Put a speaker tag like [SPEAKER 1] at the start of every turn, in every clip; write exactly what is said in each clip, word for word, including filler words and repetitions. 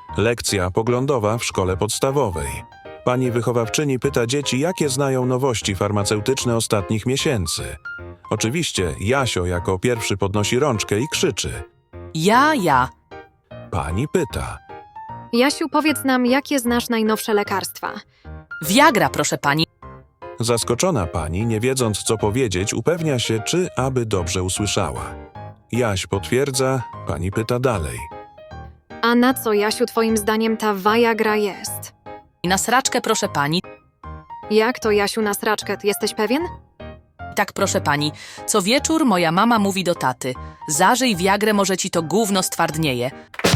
[SPEAKER 1] Lekcja poglądowa w szkole podstawowej. Pani wychowawczyni pyta dzieci, jakie znają nowości farmaceutyczne ostatnich miesięcy. Oczywiście Jasio jako pierwszy podnosi rączkę i krzyczy.
[SPEAKER 2] Ja, ja.
[SPEAKER 1] Pani pyta.
[SPEAKER 3] Jasiu, powiedz nam, jakie znasz najnowsze lekarstwa?
[SPEAKER 2] Viagra, proszę pani.
[SPEAKER 1] Zaskoczona pani, nie wiedząc co powiedzieć, upewnia się, czy aby dobrze usłyszała. Jaś potwierdza, pani pyta dalej.
[SPEAKER 3] A na co, Jasiu, twoim zdaniem ta Viagra jest?
[SPEAKER 2] Na sraczkę, proszę pani.
[SPEAKER 3] Jak to, Jasiu, na sraczkę? Ty jesteś pewien?
[SPEAKER 2] Tak, proszę pani. Co wieczór moja mama mówi do taty. Zażyj Viagrę, może ci to gówno stwardnieje.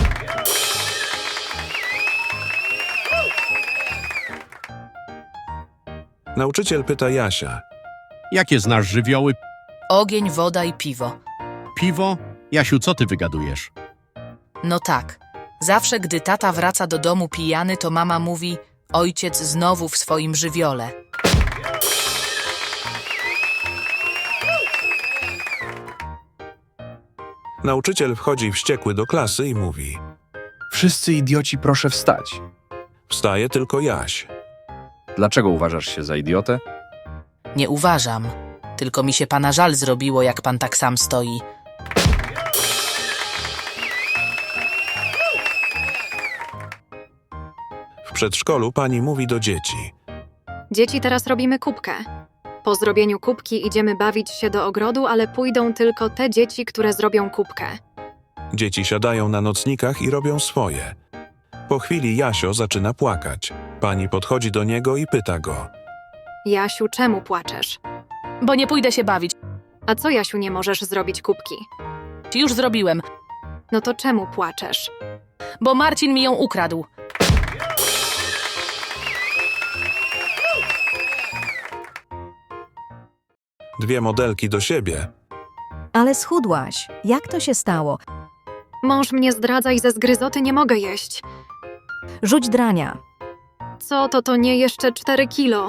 [SPEAKER 1] Nauczyciel pyta Jasia.
[SPEAKER 4] Jakie znasz żywioły?
[SPEAKER 2] Ogień, woda i piwo.
[SPEAKER 4] Piwo? Jasiu, co ty wygadujesz?
[SPEAKER 2] No tak. Zawsze, gdy tata wraca do domu pijany, to mama mówi: ojciec znowu w swoim żywiole.
[SPEAKER 1] Nauczyciel wchodzi wściekły do klasy i mówi.
[SPEAKER 5] Wszyscy idioci, proszę wstać.
[SPEAKER 1] Wstaje tylko Jaś.
[SPEAKER 5] Dlaczego uważasz się za idiotę?
[SPEAKER 2] Nie uważam. Tylko mi się pana żal zrobiło, jak pan tak sam stoi.
[SPEAKER 1] W przedszkolu pani mówi do dzieci.
[SPEAKER 3] Dzieci, teraz robimy kubkę. Po zrobieniu kubki idziemy bawić się do ogrodu, ale pójdą tylko te dzieci, które zrobią kubkę.
[SPEAKER 1] Dzieci siadają na nocnikach i robią swoje. Po chwili Jasio zaczyna płakać. Pani podchodzi do niego i pyta go.
[SPEAKER 3] Jasiu, czemu płaczesz?
[SPEAKER 2] Bo nie pójdę się bawić.
[SPEAKER 3] A co, Jasiu, nie możesz zrobić kubki?
[SPEAKER 2] Już zrobiłem.
[SPEAKER 3] No to czemu płaczesz?
[SPEAKER 2] Bo Marcin mi ją ukradł.
[SPEAKER 1] Dwie modelki do siebie.
[SPEAKER 6] Ale schudłaś. Jak to się stało?
[SPEAKER 3] Mąż mnie zdradza i ze zgryzoty nie mogę jeść.
[SPEAKER 6] Rzuć drania.
[SPEAKER 3] Co to, to nie jeszcze cztery kilo?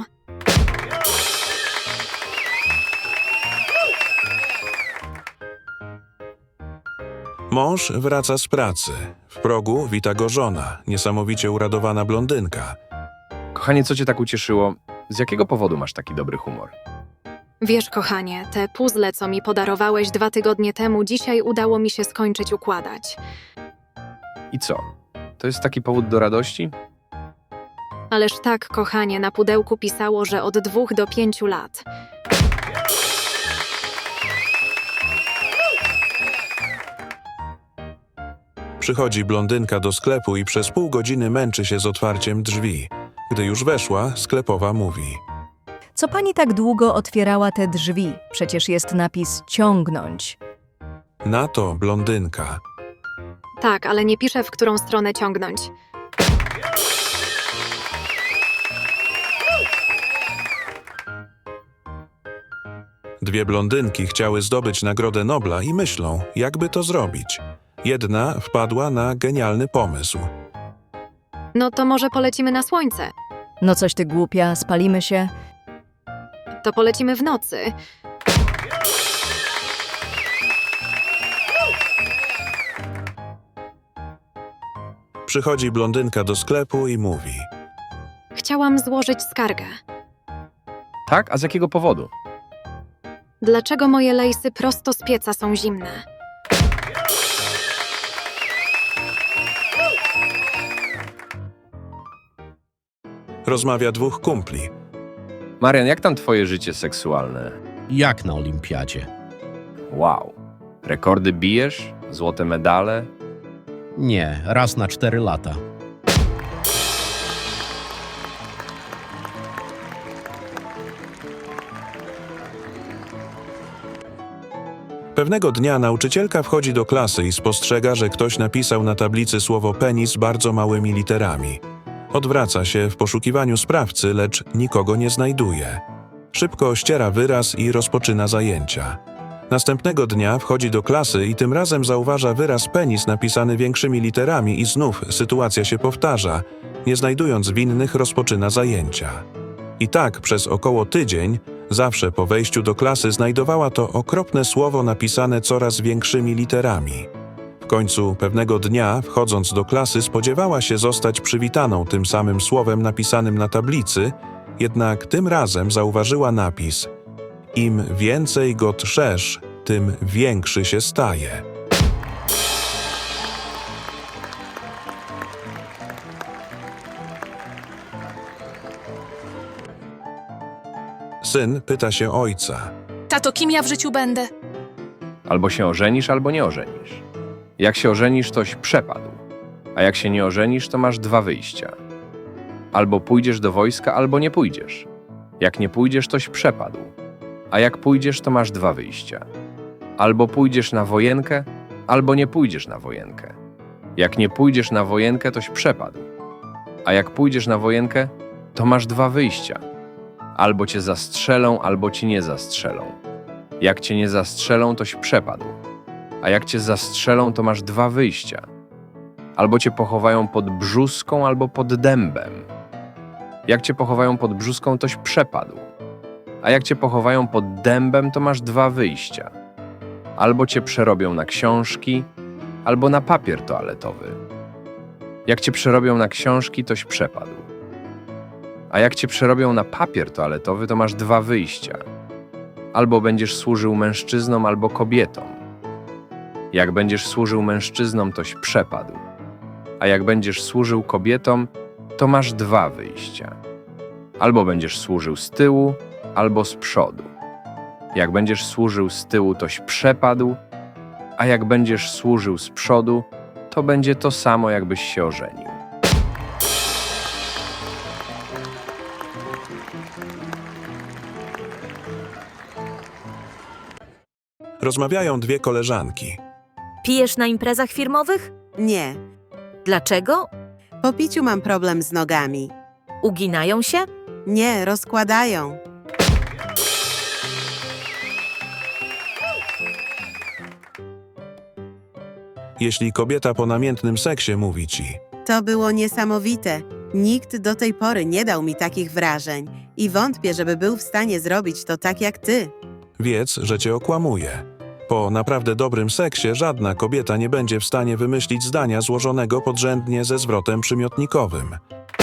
[SPEAKER 1] Mąż wraca z pracy. W progu wita go żona, niesamowicie uradowana blondynka.
[SPEAKER 5] Kochanie, co cię tak ucieszyło? Z jakiego powodu masz taki dobry humor?
[SPEAKER 3] Wiesz, kochanie, te puzzle, co mi podarowałeś dwa tygodnie temu, dzisiaj udało mi się skończyć układać.
[SPEAKER 5] I co? To jest taki powód do radości?
[SPEAKER 3] Ależ tak, kochanie, na pudełku pisało, że od dwóch do pięciu lat.
[SPEAKER 1] Przychodzi blondynka do sklepu i przez pół godziny męczy się z otwarciem drzwi. Gdy już weszła, sklepowa mówi.
[SPEAKER 6] Co pani tak długo otwierała te drzwi? Przecież jest napis ciągnąć.
[SPEAKER 1] Na to blondynka.
[SPEAKER 3] Tak, ale nie piszę, w którą stronę ciągnąć.
[SPEAKER 1] Dwie blondynki chciały zdobyć Nagrodę Nobla i myślą, jakby to zrobić. Jedna wpadła na genialny pomysł.
[SPEAKER 3] No to może polecimy na słońce.
[SPEAKER 6] No coś ty głupia, spalimy się.
[SPEAKER 3] To polecimy w nocy.
[SPEAKER 1] Przychodzi blondynka do sklepu i mówi.
[SPEAKER 3] Chciałam złożyć skargę.
[SPEAKER 5] Tak? A z jakiego powodu?
[SPEAKER 3] Dlaczego moje lejsy prosto z pieca są zimne?
[SPEAKER 1] Rozmawia dwóch kumpli.
[SPEAKER 5] Marian, jak tam twoje życie seksualne?
[SPEAKER 4] Jak na olimpiadzie?
[SPEAKER 5] Wow. Rekordy bijesz? Złote medale?
[SPEAKER 4] Nie, raz na cztery lata.
[SPEAKER 1] Pewnego dnia nauczycielka wchodzi do klasy i spostrzega, że ktoś napisał na tablicy słowo penis bardzo małymi literami. Odwraca się w poszukiwaniu sprawcy, lecz nikogo nie znajduje. Szybko ściera wyraz i rozpoczyna zajęcia. Następnego dnia wchodzi do klasy i tym razem zauważa wyraz penis napisany większymi literami i znów sytuacja się powtarza. Nie znajdując winnych, rozpoczyna zajęcia. I tak przez około tydzień, zawsze po wejściu do klasy znajdowała to okropne słowo napisane coraz większymi literami. W końcu pewnego dnia, wchodząc do klasy, spodziewała się zostać przywitaną tym samym słowem napisanym na tablicy, jednak tym razem zauważyła napis: im więcej go trzesz, tym większy się staje. Syn pyta się ojca.
[SPEAKER 2] Tato, kim ja w życiu będę?
[SPEAKER 5] Albo się ożenisz, albo nie ożenisz. Jak się ożenisz, toś przepadł. A jak się nie ożenisz, to masz dwa wyjścia. Albo pójdziesz do wojska, albo nie pójdziesz. Jak nie pójdziesz, toś przepadł. A jak pójdziesz, to masz dwa wyjścia. Albo pójdziesz na wojenkę, albo nie pójdziesz na wojenkę. Jak nie pójdziesz na wojenkę, toś przepadł. A jak pójdziesz na wojenkę, to masz dwa wyjścia. Albo cię zastrzelą, albo ci nie zastrzelą. Jak cię nie zastrzelą, toś przepadł. A jak cię zastrzelą, to masz dwa wyjścia. Albo cię pochowają pod brzuską, albo pod dębem. Jak cię pochowają pod brzuską, toś przepadł. A jak cię pochowają pod dębem, to masz dwa wyjścia. Albo cię przerobią na książki, albo na papier toaletowy. Jak cię przerobią na książki, toś przepadł. A jak cię przerobią na papier toaletowy, to masz dwa wyjścia. Albo będziesz służył mężczyznom, albo kobietom. Jak będziesz służył mężczyznom, toś przepadł. A jak będziesz służył kobietom, to masz dwa wyjścia. Albo będziesz służył z tyłu, albo z przodu. Jak będziesz służył z tyłu, toś przepadł, a jak będziesz służył z przodu, to będzie to samo, jakbyś się ożenił.
[SPEAKER 1] Rozmawiają dwie koleżanki.
[SPEAKER 7] Pijesz na imprezach firmowych?
[SPEAKER 8] Nie.
[SPEAKER 7] Dlaczego?
[SPEAKER 8] Po piciu mam problem z nogami.
[SPEAKER 7] Uginają się?
[SPEAKER 8] Nie, rozkładają.
[SPEAKER 1] Jeśli kobieta po namiętnym seksie mówi ci:
[SPEAKER 8] To było niesamowite. Nikt do tej pory nie dał mi takich wrażeń i wątpię, żeby był w stanie zrobić to tak jak ty.
[SPEAKER 1] wiedz, że cię okłamuje. Po naprawdę dobrym seksie żadna kobieta nie będzie w stanie wymyślić zdania złożonego podrzędnie ze zwrotem przymiotnikowym.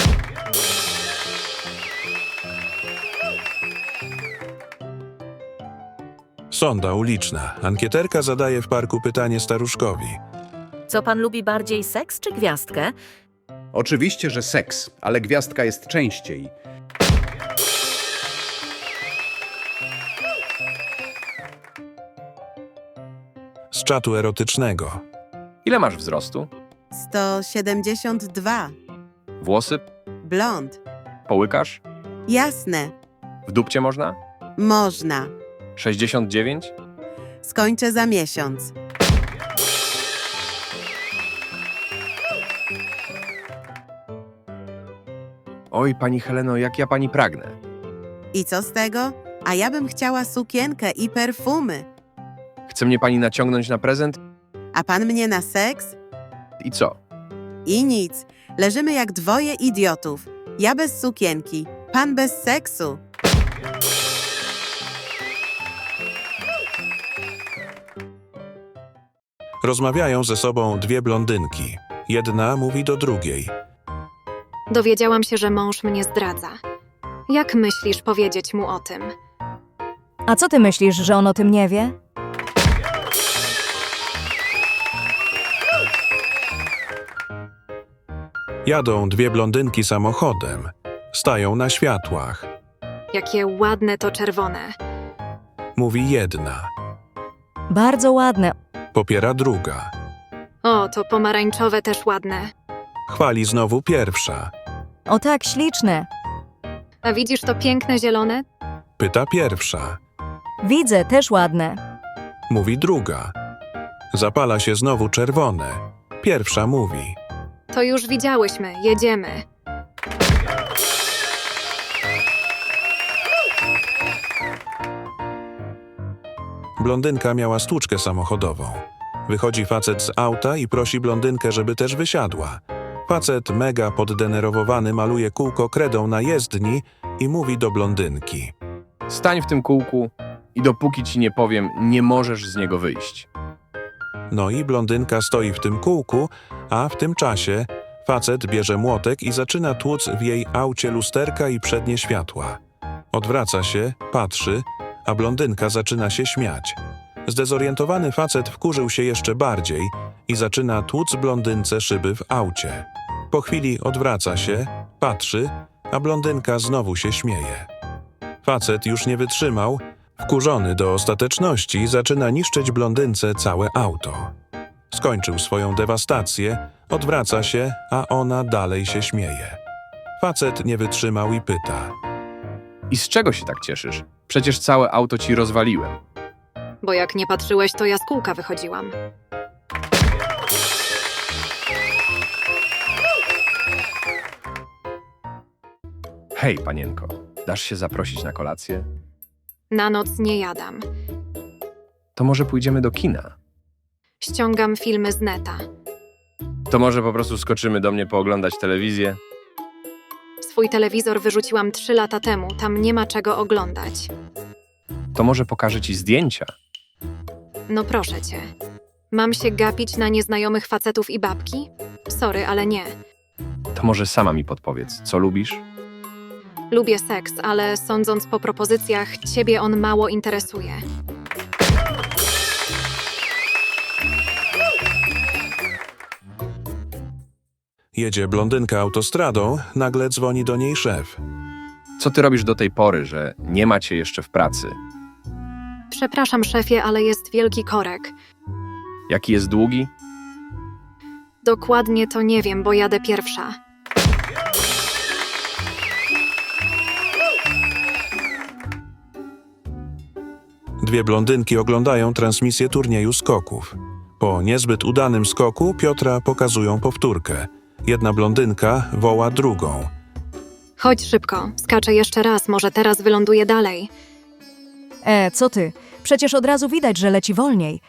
[SPEAKER 1] Sonda uliczna. Ankieterka zadaje w parku pytanie staruszkowi.
[SPEAKER 7] Co pan lubi bardziej, seks czy gwiazdkę?
[SPEAKER 9] Oczywiście, że seks, ale gwiazdka jest częściej.
[SPEAKER 1] Z czatu erotycznego.
[SPEAKER 5] Ile masz wzrostu?
[SPEAKER 8] sto siedemdziesiąt dwa.
[SPEAKER 5] Włosy?
[SPEAKER 8] Blond.
[SPEAKER 5] Połykasz?
[SPEAKER 8] Jasne.
[SPEAKER 5] W dupcie można?
[SPEAKER 8] Można.
[SPEAKER 5] sześćdziesiąt dziewięć?
[SPEAKER 8] Skończę za miesiąc.
[SPEAKER 5] Oj, pani Heleno, jak ja pani pragnę.
[SPEAKER 8] I co z tego? A ja bym chciała sukienkę i perfumy.
[SPEAKER 5] Chce mnie pani naciągnąć na prezent?
[SPEAKER 8] A pan mnie na seks?
[SPEAKER 5] I co?
[SPEAKER 8] I nic. Leżymy jak dwoje idiotów. Ja bez sukienki, pan bez seksu.
[SPEAKER 1] Rozmawiają ze sobą dwie blondynki. Jedna mówi do drugiej.
[SPEAKER 3] Dowiedziałam się, że mąż mnie zdradza. Jak myślisz powiedzieć mu o tym?
[SPEAKER 6] A co ty myślisz, że on o tym nie wie?
[SPEAKER 1] Jadą dwie blondynki samochodem. Stają na światłach.
[SPEAKER 3] Jakie ładne to czerwone.
[SPEAKER 1] Mówi jedna.
[SPEAKER 6] Bardzo ładne.
[SPEAKER 1] Popiera druga.
[SPEAKER 3] O, to pomarańczowe też ładne.
[SPEAKER 1] Chwali znowu pierwsza.
[SPEAKER 6] O tak, śliczne.
[SPEAKER 3] A widzisz to piękne zielone?
[SPEAKER 1] Pyta pierwsza.
[SPEAKER 6] Widzę, też ładne.
[SPEAKER 1] Mówi druga. Zapala się znowu czerwone. Pierwsza mówi.
[SPEAKER 3] To już widziałyśmy, jedziemy.
[SPEAKER 1] Blondynka miała stłuczkę samochodową. Wychodzi facet z auta i prosi blondynkę, żeby też wysiadła. Facet mega poddenerwowany maluje kółko kredą na jezdni i mówi do blondynki.
[SPEAKER 5] Stań w tym kółku i dopóki ci nie powiem, nie możesz z niego wyjść.
[SPEAKER 1] No i blondynka stoi w tym kółku, a w tym czasie facet bierze młotek i zaczyna tłuc w jej aucie lusterka i przednie światła. Odwraca się, patrzy, a blondynka zaczyna się śmiać. Zdezorientowany facet wkurzył się jeszcze bardziej i zaczyna tłuc blondynce szyby w aucie. Po chwili odwraca się, patrzy, a blondynka znowu się śmieje. Facet już nie wytrzymał, wkurzony do ostateczności zaczyna niszczyć blondynce całe auto. Skończył swoją dewastację, odwraca się, a ona dalej się śmieje. Facet nie wytrzymał i pyta.
[SPEAKER 5] I z czego się tak cieszysz? Przecież całe auto ci rozwaliłem.
[SPEAKER 3] Bo jak nie patrzyłeś, to ja z kółka wychodziłam.
[SPEAKER 5] Hej, panienko, dasz się zaprosić na kolację?
[SPEAKER 3] Na noc nie jadam.
[SPEAKER 5] To może pójdziemy do kina?
[SPEAKER 3] Ściągam filmy z neta.
[SPEAKER 5] To może po prostu skoczymy do mnie pooglądać telewizję?
[SPEAKER 3] Swój telewizor wyrzuciłam trzy lata temu, tam nie ma czego oglądać.
[SPEAKER 5] To może pokażę ci zdjęcia?
[SPEAKER 3] No proszę cię. Mam się gapić na nieznajomych facetów i babki? Sorry, ale nie.
[SPEAKER 5] To może sama mi podpowiedz, co lubisz?
[SPEAKER 3] Lubię seks, ale sądząc po propozycjach, ciebie on mało interesuje.
[SPEAKER 1] Jedzie blondynka autostradą, nagle dzwoni do niej szef.
[SPEAKER 5] Co ty robisz do tej pory, że nie ma cię jeszcze w pracy?
[SPEAKER 3] Przepraszam, szefie, ale jest wielki korek.
[SPEAKER 5] Jaki jest długi?
[SPEAKER 3] Dokładnie to nie wiem, bo jadę pierwsza.
[SPEAKER 1] Dwie blondynki oglądają transmisję turnieju skoków. Po niezbyt udanym skoku Piotra pokazują powtórkę. Jedna blondynka woła drugą.
[SPEAKER 3] Chodź szybko, skaczę jeszcze raz, może teraz wyląduję dalej.
[SPEAKER 6] E, co ty? Przecież od razu widać, że leci wolniej.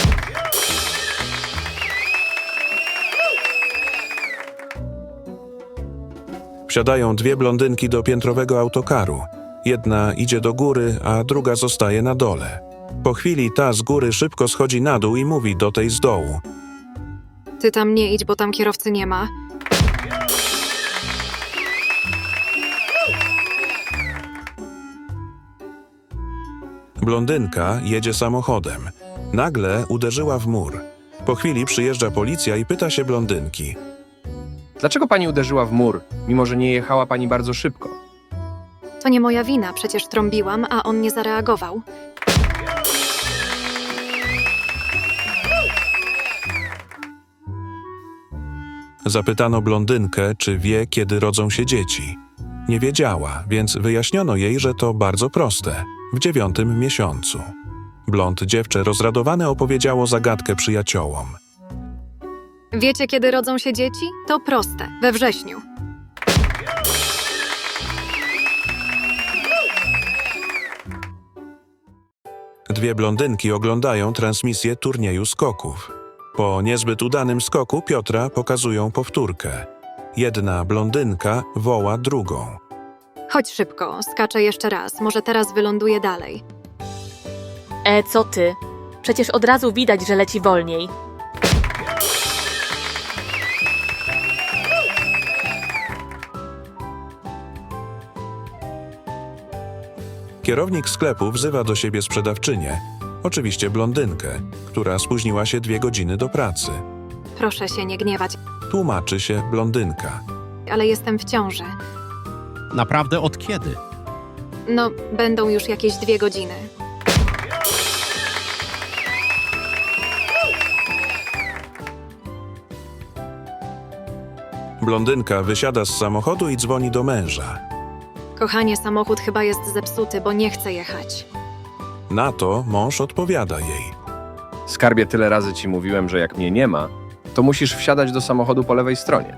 [SPEAKER 1] Wsiadają dwie blondynki do piętrowego autokaru. Jedna idzie do góry, a druga zostaje na dole. Po chwili ta z góry szybko schodzi na dół i mówi do tej z dołu.
[SPEAKER 3] Ty tam nie idź, bo tam kierowcy nie ma.
[SPEAKER 1] Blondynka jedzie samochodem. Nagle uderzyła w mur. Po chwili przyjeżdża policja i pyta się blondynki.
[SPEAKER 5] Dlaczego pani uderzyła w mur, mimo że nie jechała pani bardzo szybko?
[SPEAKER 3] To nie moja wina, przecież trąbiłam, a on nie zareagował.
[SPEAKER 1] Zapytano blondynkę, czy wie, kiedy rodzą się dzieci. Nie wiedziała, więc wyjaśniono jej, że to bardzo proste. W dziewiątym miesiącu. Blond dziewczę rozradowane opowiedziało zagadkę przyjaciołom.
[SPEAKER 3] Wiecie, kiedy rodzą się dzieci? To proste, we wrześniu.
[SPEAKER 1] Dwie blondynki oglądają transmisję turnieju skoków. Po niezbyt udanym skoku Piotra pokazują powtórkę. Jedna blondynka woła drugą.
[SPEAKER 3] Chodź szybko, skaczę jeszcze raz, może teraz wyląduję dalej.
[SPEAKER 10] E, co ty? Przecież od razu widać, że leci wolniej.
[SPEAKER 1] Kierownik sklepu wzywa do siebie sprzedawczynię, oczywiście blondynkę, która spóźniła się dwie godziny do pracy.
[SPEAKER 3] Proszę się nie gniewać,
[SPEAKER 1] Tłumaczy się blondynka.
[SPEAKER 3] ale jestem w ciąży.
[SPEAKER 4] Naprawdę od kiedy?
[SPEAKER 3] No, będą już jakieś dwie godziny.
[SPEAKER 1] Blondynka wysiada z samochodu i dzwoni do męża.
[SPEAKER 3] Kochanie, samochód chyba jest zepsuty, bo nie chcę jechać.
[SPEAKER 1] Na to mąż odpowiada jej.
[SPEAKER 5] Skarbie, tyle razy ci mówiłem, że jak mnie nie ma, to musisz wsiadać do samochodu po lewej stronie.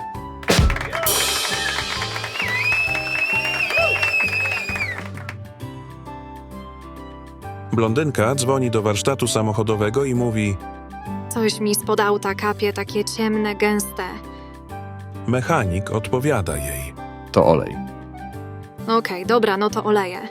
[SPEAKER 1] Blondynka dzwoni do warsztatu samochodowego i mówi:
[SPEAKER 3] Coś mi spod auta kapie, takie ciemne, gęste.
[SPEAKER 1] mechanik odpowiada jej.
[SPEAKER 5] To olej.
[SPEAKER 3] Okej, dobra, no to oleję.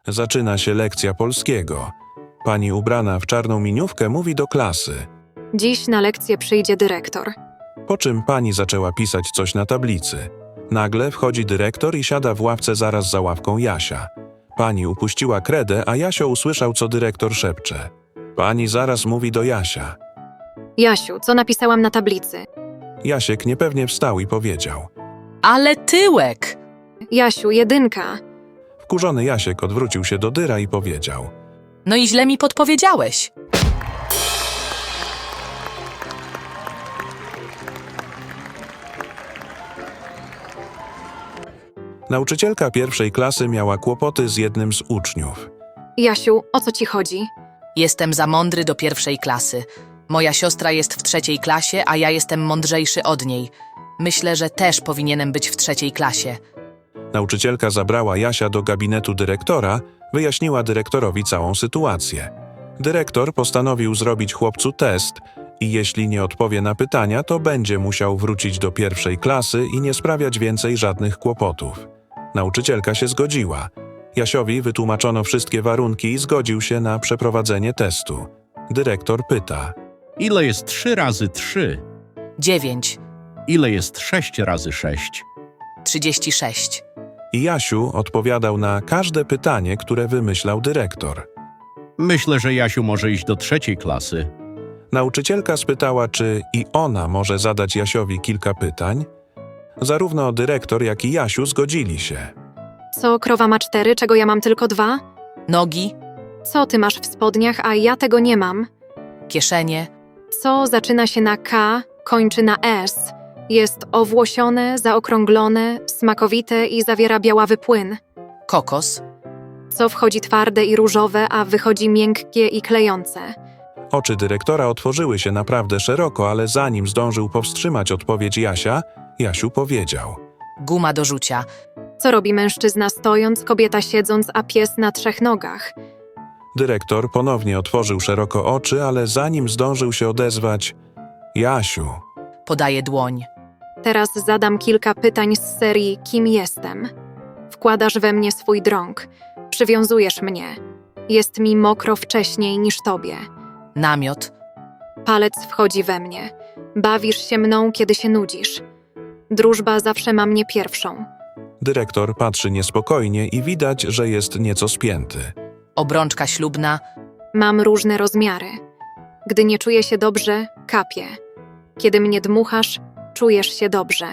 [SPEAKER 1] Zaczyna się lekcja polskiego. Pani ubrana w czarną miniówkę mówi do klasy.
[SPEAKER 3] Dziś na lekcję przyjdzie dyrektor.
[SPEAKER 1] Po czym pani zaczęła pisać coś na tablicy. Nagle wchodzi dyrektor i siada w ławce zaraz za ławką Jasia. Pani upuściła kredę, a Jasio usłyszał, co dyrektor szepcze. Pani zaraz mówi do Jasia.
[SPEAKER 3] Jasiu, co napisałam na tablicy?
[SPEAKER 1] Jasiek niepewnie wstał i powiedział.
[SPEAKER 2] Ale tyłek!
[SPEAKER 3] Jasiu, jedynka.
[SPEAKER 1] Wkurzony Jasiek odwrócił się do dyra i powiedział.
[SPEAKER 2] No i źle mi podpowiedziałeś.
[SPEAKER 1] Nauczycielka pierwszej klasy miała kłopoty z jednym z uczniów.
[SPEAKER 3] Jasiu, o co ci chodzi?
[SPEAKER 2] Jestem za mądry do pierwszej klasy. Moja siostra jest w trzeciej klasie, a ja jestem mądrzejszy od niej. Myślę, że też powinienem być w trzeciej klasie.
[SPEAKER 1] Nauczycielka zabrała Jasia do gabinetu dyrektora, wyjaśniła dyrektorowi całą sytuację. Dyrektor postanowił zrobić chłopcu test i jeśli nie odpowie na pytania, to będzie musiał wrócić do pierwszej klasy i nie sprawiać więcej żadnych kłopotów. Nauczycielka się zgodziła. Jasiowi wytłumaczono wszystkie warunki i zgodził się na przeprowadzenie testu. Dyrektor pyta.
[SPEAKER 4] Ile jest trzy razy trzy?
[SPEAKER 2] Dziewięć.
[SPEAKER 4] Ile jest sześć razy sześć?
[SPEAKER 2] Trzydzieści sześć.
[SPEAKER 1] I Jasiu odpowiadał na każde pytanie, które wymyślał dyrektor.
[SPEAKER 4] Myślę, że Jasiu może iść do trzeciej klasy.
[SPEAKER 1] Nauczycielka spytała, czy i ona może zadać Jasiowi kilka pytań. Zarówno dyrektor, jak i Jasiu zgodzili się.
[SPEAKER 3] Co, krowa ma cztery, czego ja mam tylko dwa?
[SPEAKER 2] Nogi,
[SPEAKER 3] Co ty masz w spodniach, a ja tego nie mam?
[SPEAKER 2] kieszenie,
[SPEAKER 3] Co zaczyna się na K, kończy na S, jest owłosione, zaokrąglone, smakowite i zawiera białawy płyn?
[SPEAKER 2] kokos,
[SPEAKER 3] Co wchodzi twarde i różowe, a wychodzi miękkie i klejące?
[SPEAKER 1] Oczy dyrektora otworzyły się naprawdę szeroko, ale zanim zdążył powstrzymać odpowiedź Jasia, Jasiu powiedział.
[SPEAKER 2] guma do rzucia,
[SPEAKER 3] Co robi mężczyzna stojąc, kobieta siedząc, a pies na trzech nogach?
[SPEAKER 1] Dyrektor ponownie otworzył szeroko oczy, ale zanim zdążył się odezwać, Jasiu,
[SPEAKER 2] podaje dłoń.
[SPEAKER 3] Teraz zadam kilka pytań z serii Kim jestem? Wkładasz we mnie swój drąg. Przywiązujesz mnie. Jest mi mokro wcześniej niż tobie.
[SPEAKER 2] Namiot,
[SPEAKER 3] Palec wchodzi we mnie. Bawisz się mną, kiedy się nudzisz. Drużba zawsze ma mnie pierwszą.
[SPEAKER 1] dyrektor patrzy niespokojnie i widać, że jest nieco spięty.
[SPEAKER 2] obrączka ślubna,
[SPEAKER 3] Mam różne rozmiary. Gdy nie czuję się dobrze, kapię. Kiedy mnie dmuchasz, czujesz się dobrze.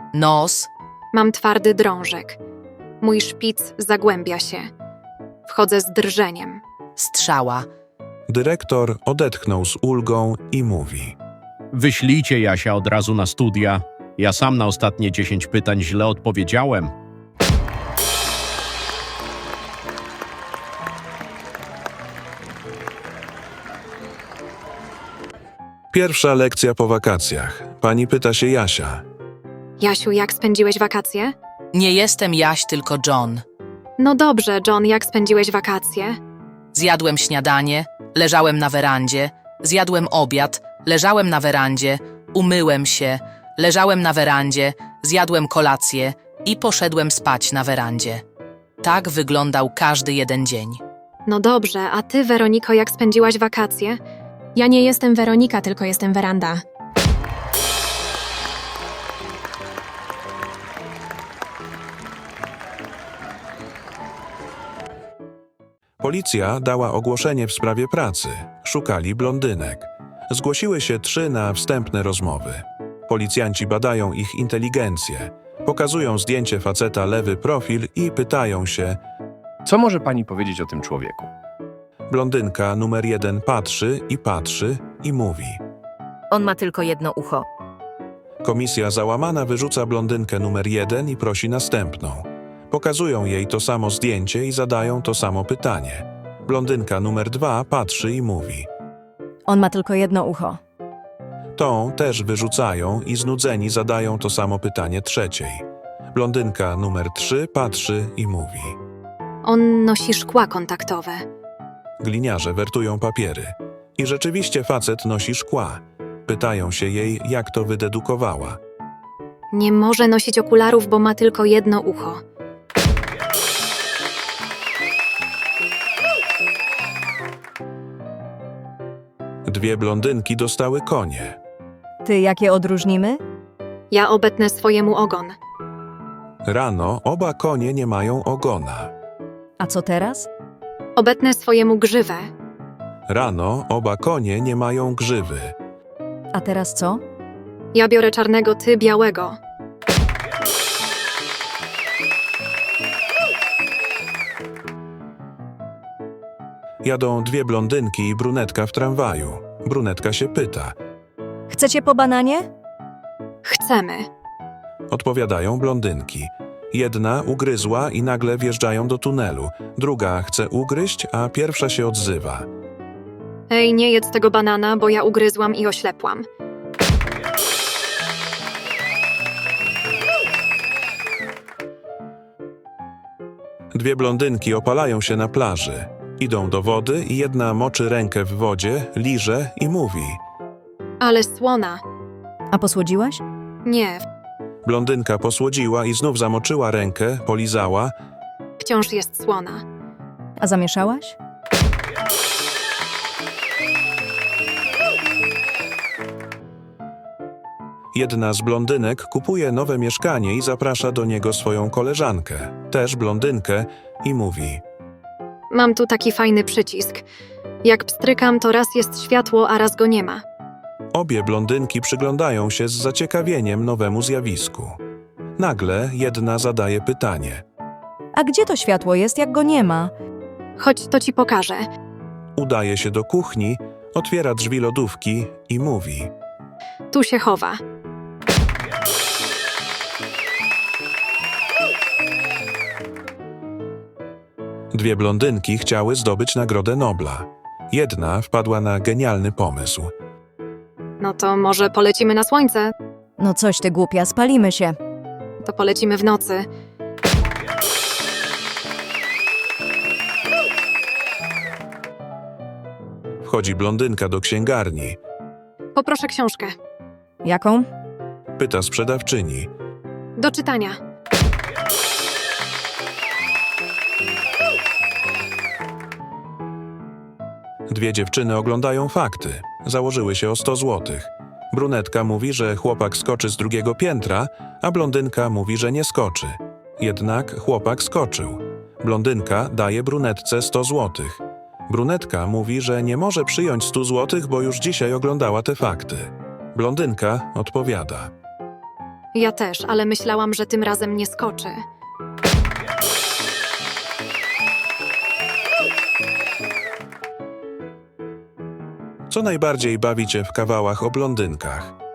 [SPEAKER 2] nos,
[SPEAKER 3] Mam twardy drążek. Mój szpic zagłębia się. Wchodzę z drżeniem.
[SPEAKER 2] strzała,
[SPEAKER 1] Dyrektor odetchnął z ulgą i mówi.
[SPEAKER 4] Wyślijcie Jasia od razu na studia. Ja sam na ostatnie dziesięć pytań źle odpowiedziałem.
[SPEAKER 1] Pierwsza lekcja po wakacjach. Pani pyta się Jasia.
[SPEAKER 3] Jasiu, jak spędziłeś wakacje?
[SPEAKER 2] nie jestem Jaś, tylko John.
[SPEAKER 3] No dobrze, John, jak spędziłeś wakacje?
[SPEAKER 2] Zjadłem śniadanie, leżałem na werandzie, zjadłem obiad, leżałem na werandzie, umyłem się, leżałem na werandzie, zjadłem kolację i poszedłem spać na werandzie. Tak wyglądał każdy jeden dzień.
[SPEAKER 3] No dobrze, a ty, Weroniko, jak spędziłaś wakacje?
[SPEAKER 10] Ja nie jestem Weronika, tylko jestem Weranda.
[SPEAKER 1] Policja dała ogłoszenie w sprawie pracy. Szukali blondynek. Zgłosiły się trzy na wstępne rozmowy. Policjanci badają ich inteligencję. Pokazują zdjęcie faceta lewy profil i pytają się.
[SPEAKER 5] Co może pani powiedzieć o tym człowieku?
[SPEAKER 1] Blondynka numer jeden patrzy i patrzy i mówi.
[SPEAKER 7] On ma tylko jedno ucho.
[SPEAKER 1] Komisja załamana wyrzuca blondynkę numer jeden i prosi następną. Pokazują jej to samo zdjęcie i zadają to samo pytanie. Blondynka numer dwa patrzy i mówi.
[SPEAKER 6] On ma tylko jedno ucho.
[SPEAKER 1] Tą też wyrzucają i znudzeni zadają to samo pytanie trzeciej. Blondynka numer trzy patrzy i mówi.
[SPEAKER 3] On nosi szkła kontaktowe.
[SPEAKER 1] Gliniarze wertują papiery. I rzeczywiście facet nosi szkła. Pytają się jej, jak to wydedukowała.
[SPEAKER 3] Nie może nosić okularów, bo ma tylko jedno ucho.
[SPEAKER 1] Dwie blondynki dostały konie.
[SPEAKER 6] Ty jakie odróżnimy?
[SPEAKER 3] Ja obetnę swojemu ogon.
[SPEAKER 1] Rano oba konie nie mają ogona.
[SPEAKER 6] A co teraz?
[SPEAKER 3] Obetnę swojemu grzywę.
[SPEAKER 1] Rano oba konie nie mają grzywy.
[SPEAKER 6] A teraz co?
[SPEAKER 3] Ja biorę czarnego, ty białego.
[SPEAKER 1] Jadą dwie blondynki i brunetka w tramwaju. Brunetka się pyta.
[SPEAKER 6] Chcecie po bananie?
[SPEAKER 3] Chcemy.
[SPEAKER 1] Odpowiadają blondynki. Jedna ugryzła i nagle wjeżdżają do tunelu. Druga chce ugryźć, a pierwsza się odzywa.
[SPEAKER 3] Ej, nie jedz tego banana, bo ja ugryzłam i oślepłam.
[SPEAKER 1] Dwie blondynki opalają się na plaży. Idą do wody i jedna moczy rękę w wodzie, liże i mówi.
[SPEAKER 3] Ale słona.
[SPEAKER 6] A posłodziłaś?
[SPEAKER 3] Nie,
[SPEAKER 1] Blondynka posłodziła i znów zamoczyła rękę, polizała.
[SPEAKER 3] wciąż jest słona.
[SPEAKER 6] A zamieszałaś?
[SPEAKER 1] Jedna z blondynek kupuje nowe mieszkanie i zaprasza do niego swoją koleżankę, też blondynkę, i mówi.
[SPEAKER 3] Mam tu taki fajny przycisk. Jak pstrykam, to raz jest światło, a raz go nie ma.
[SPEAKER 1] Obie blondynki przyglądają się z zaciekawieniem nowemu zjawisku. Nagle jedna zadaje pytanie.
[SPEAKER 6] A gdzie to światło jest, jak go nie ma?
[SPEAKER 3] Chodź, to ci pokażę.
[SPEAKER 1] Udaje się do kuchni, otwiera drzwi lodówki i mówi.
[SPEAKER 3] Tu się chowa.
[SPEAKER 1] Dwie blondynki chciały zdobyć Nagrodę Nobla. Jedna wpadła na genialny pomysł.
[SPEAKER 3] No to może polecimy na słońce?
[SPEAKER 6] No coś ty głupia, spalimy się.
[SPEAKER 3] To polecimy w nocy.
[SPEAKER 1] Wchodzi blondynka do księgarni.
[SPEAKER 3] Poproszę książkę.
[SPEAKER 6] Jaką?
[SPEAKER 1] Pyta sprzedawczyni.
[SPEAKER 3] Do czytania.
[SPEAKER 1] Dwie dziewczyny oglądają fakty. Założyły się o sto złotych. Brunetka mówi, że chłopak skoczy z drugiego piętra, a blondynka mówi, że nie skoczy. Jednak chłopak skoczył. Blondynka daje brunetce sto złotych. Brunetka mówi, że nie może przyjąć stu złotych, bo już dzisiaj oglądała te fakty. Blondynka odpowiada.
[SPEAKER 3] Ja też, ale myślałam, że tym razem nie skoczy.
[SPEAKER 1] Co najbardziej bawi cię w kawałach o blondynkach?